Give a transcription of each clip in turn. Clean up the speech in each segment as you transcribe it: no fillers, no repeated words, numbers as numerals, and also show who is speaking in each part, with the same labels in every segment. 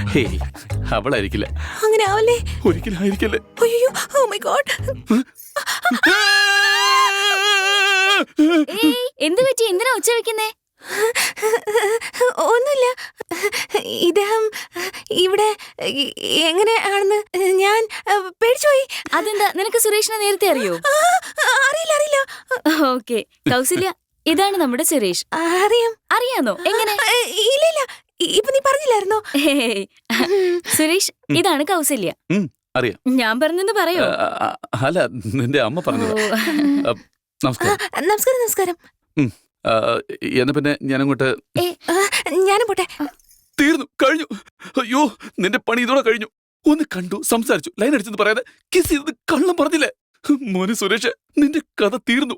Speaker 1: Hey, അവളായിരിക്കില്ല.
Speaker 2: അങ്ങനെ ആവല്ലേ?
Speaker 1: ഒരിക്കലും ആയിരിക്കല്ലേ.
Speaker 2: അയ്യോ, ഓ മൈ ഗോഡ്.
Speaker 3: എന്ത് പറ്റി? എന്തിനാ ഒച്ച വെക്കുന്നേ?
Speaker 2: ഒന്നുമില്ല. ഇദ്ദേഹം ഇവിടെ എങ്ങനെയാണെന്ന് ഞാൻ പേടിച്ചുപോയി.
Speaker 3: അതെന്താ, നിനക്ക് സുരേഷിനെ നേരത്തെ അറിയോ?
Speaker 2: അറിയില്ല അറിയില്ല.
Speaker 3: ഓക്കെ കൗസല്യ, ഇതാണ് നമ്മുടെ സുരേഷ്.
Speaker 2: അറിയാം.
Speaker 3: അറിയാന്നോ? എങ്ങനെ?
Speaker 2: ഇല്ല ഇല്ല, ഇപ്പൊ നീ പറഞ്ഞില്ലായിരുന്നോ?
Speaker 3: ഹേയ്. സുരേഷ്, ഇതാണ് കൗസല്യ.
Speaker 1: അറിയാം.
Speaker 3: ഞാൻ പറഞ്ഞെന്ന് പറയോ?
Speaker 1: അല്ല, നിന്റെ അമ്മ പറഞ്ഞത്. നമസ്കാരം.
Speaker 2: നമസ്കാരം നമസ്കാരം.
Speaker 1: എന്നാ പിന്നെ ഞാനങ്ങോട്ട്.
Speaker 2: ഞാനും പോട്ടെ.
Speaker 1: തീർന്നു, കഴിഞ്ഞു. അയ്യോ, നിന്റെ പണി ഇതോടെ കഴിഞ്ഞു. ഒന്ന് കണ്ടു, സംസാരിച്ചു, ലൈൻ അടിച്ചെന്ന് പറയാതെ കിസ് ചെയ്തത് കള്ളം പറഞ്ഞില്ലേ? മോനെ സുരേഷ്, നിന്റെ കഥ തീർന്നു.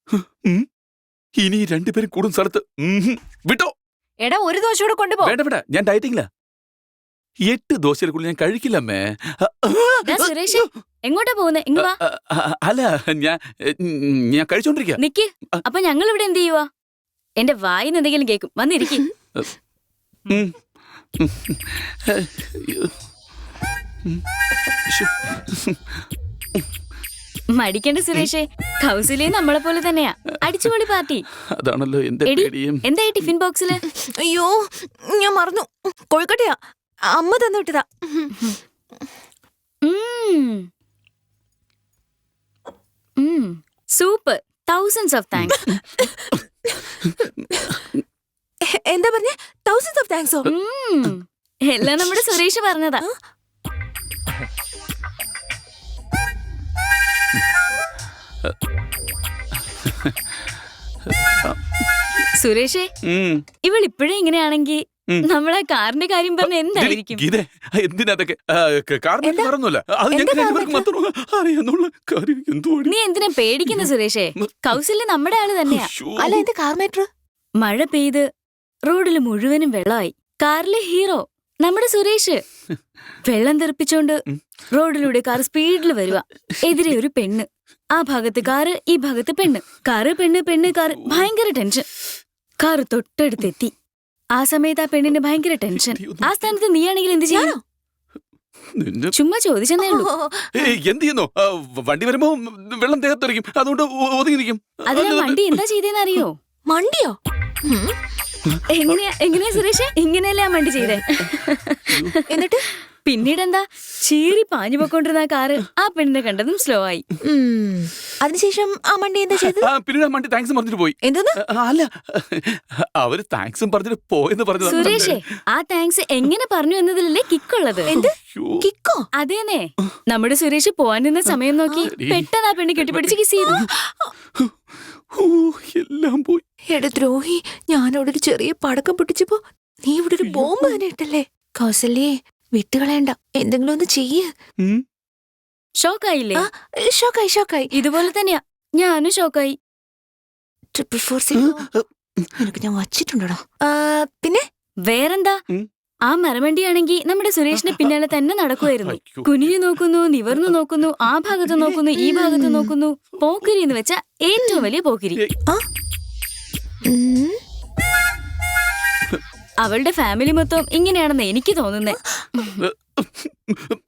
Speaker 1: ഇനി രണ്ടുപേരും കൂടും സ്ഥലത്ത് വിട്ടോ.
Speaker 2: എടാ, ഒരു ദോശ കൂടെ കൊണ്ടുപോ.
Speaker 1: വേണ്ട വേണ്ട, ഞാൻ ഡയറ്റിംഗില്ല. 8 ദോശയിൽ കൂടുതൽ ഞാൻ കഴിക്കില്ലമ്മേ.
Speaker 3: സുരേഷ്, എങ്ങോട്ടാ പോകുന്നേ? ഇങ്ങ് വാ.
Speaker 1: അല്ല, ഞാൻ കഴിച്ചോണ്ടിരിക്ക.
Speaker 3: നിക്ക്. അപ്പൊ ഞങ്ങൾ ഇവിടെ എന്ത് ചെയ്യുവാ? എന്റെ വായിന്ന് എന്തെങ്കിലും കേക്കും. വന്നിരിക്കും. മടിക്കണ്ട സുരേഷേ, കൗസല്യ നമ്മളെ പോലെ തന്നെയാ. അടിച്ചുപൊളി പാർട്ടി.
Speaker 1: അതാണല്ലോ എന്റെ പേടിയും.
Speaker 3: എന്തായി ടിഫിൻ ബോക്സില്?
Speaker 2: അയ്യോ, ഞാൻ മറന്നു. കോഴിക്കോട്ടെയാ, അമ്മ തന്നു വിട്ടതാ.
Speaker 3: Super, thousands of thanks.
Speaker 2: എന്താ പറഞ്ഞേ? തൗസൻഡ്സ് ഓഫ് താങ്ക്സോ?
Speaker 3: എല്ലാം നമ്മുടെ സുരേഷ് പറഞ്ഞതാ. സുരേഷേ, ഇവൾ ഇപ്പോഴേ ഇങ്ങനെയാണെങ്കിൽ നമ്മളെ കാറിന്റെ കാര്യം പറഞ്ഞ എന്തായിരിക്കും? നീ എന്തിനാ പേടിക്കുന്ന സുരേഷേ? കൗസല്യ നമ്മുടെ ആള് തന്നെയാ.
Speaker 2: അല്ല, എന്ത് കാർ മാറ്റർ?
Speaker 3: മഴ പെയ്ത് റോഡില് മുഴുവനും വെള്ളമായി. കാറിലെ ഹീറോ നമ്മുടെ സുരേഷ്. വെള്ളം തെറിപ്പിച്ചോണ്ട് റോഡിലൂടെ കാർ സ്പീഡിൽ വരുക. എതിരെ ഒരു പെണ്ണ്. ആ ഭാഗത്ത് കാറ്, ഈ ഭാഗത്ത് പെണ്ണ്. കാറ് പെണ്ണ്, പെണ്ണ് കാറ്. ഭയങ്കര ടെൻഷൻ. കാറ് തൊട്ടടുത്തെത്തി. ആ സമയത്ത് ആ പെണ്ണിന് ഭയങ്കര ടെൻഷൻ. ആ സ്ഥാനത്ത് നീയാണെങ്കിൽ എന്ത് ചെയ്യാനോ? ചുമ്മാ ചോദിച്ചെന്നേ ഉള്ളൂ.
Speaker 1: എന്ത് ചെയ്യുന്നു? വണ്ടി വരുമ്പോ വെള്ളം ദേഹത്തെറിക്കും, അതുകൊണ്ട് ഒതുങ്ങിയിരിക്കും.
Speaker 3: അതിനാ വണ്ടി എന്താ ചെയ്തേന്ന് അറിയോ?
Speaker 2: മണ്ടിയോ?
Speaker 3: എങ്ങനെയാ സുരേഷ്? ഇങ്ങനെയല്ലേ ആ വണ്ടി ചെയ്തേ?
Speaker 2: എന്നിട്ട്
Speaker 3: പിന്നീടെന്താ, ചീറി പാഞ്ഞു പോയിക്കൊണ്ടിരുന്ന ആ കാറ് ആ പെണ്ണിനെ കണ്ടതും സ്ലോ ആയി.
Speaker 2: അതിനുശേഷം ആ മണ്ടി എന്താ ചെയ്തത്?
Speaker 1: പിന്നീട് ആ മണ്ടി താങ്ക്സ് പറഞ്ഞിട്ട് പോയി.
Speaker 2: എന്തോന്ന്?
Speaker 1: അല്ല, അവര് താങ്ക്സും പറഞ്ഞിട്ട് പോയെന്ന് പറഞ്ഞു.
Speaker 3: സുരേഷേ, ആ താങ്ക്സ് എങ്ങനെ പറഞ്ഞു എന്നതിലല്ലേ കിക്കുള്ളത്.
Speaker 2: എന്ത് കിക്കോ?
Speaker 3: അതേനെ, നമ്മുടെ സുരേഷ് പോവാൻ നിന്ന സമയം നോക്കി പെട്ടെന്ന് ആ പെണ്ണ് കെട്ടിപ്പിടിച്ച് കിസ് ചെയ്തു.
Speaker 1: എല്ലാം പോയി.
Speaker 2: എടാ ദ്രോഹി, ഞാനവിടെ ഒരു ചെറിയ പടക്കം പൊട്ടിച്ചപ്പോ നീ ഇവിടെ ഒരു ബോംബ് തന്നെ ഇട്ടല്ലേ? കൗസല്യേ, വിട്ടുകളയണ്ട, എന്തെങ്കിലും ഒന്ന് ചെയ്യ്.
Speaker 3: ഷോക്കായില്ലേ?
Speaker 2: ഷോക്കായി ഷോക്കായി.
Speaker 3: ഇതുപോലെ തന്നെയാ, ഞാനും ഷോക്കായി.
Speaker 2: 444 നിനക്ക് ഞാൻ വച്ചിട്ടുണ്ടോ? പിന്നെ
Speaker 3: വേറെന്താ, ആ മരമണ്ടിയാണെങ്കിൽ നമ്മുടെ സുരേഷിന്റെ പിന്നാലെ തന്നെ നടക്കുമായിരുന്നു. കുനിഞ്ഞു നോക്കുന്നു, നിവർന്നു നോക്കുന്നു, ആ ഭാഗത്ത് നോക്കുന്നു, ഈ ഭാഗത്ത് നോക്കുന്നു. പോക്കിരി എന്ന് വെച്ചാ ഏറ്റവും വലിയ പോക്കിരി. അവളുടെ ഫാമിലി മൊത്തം ഇങ്ങനെയാണെന്ന് എനിക്ക് തോന്നുന്നേ.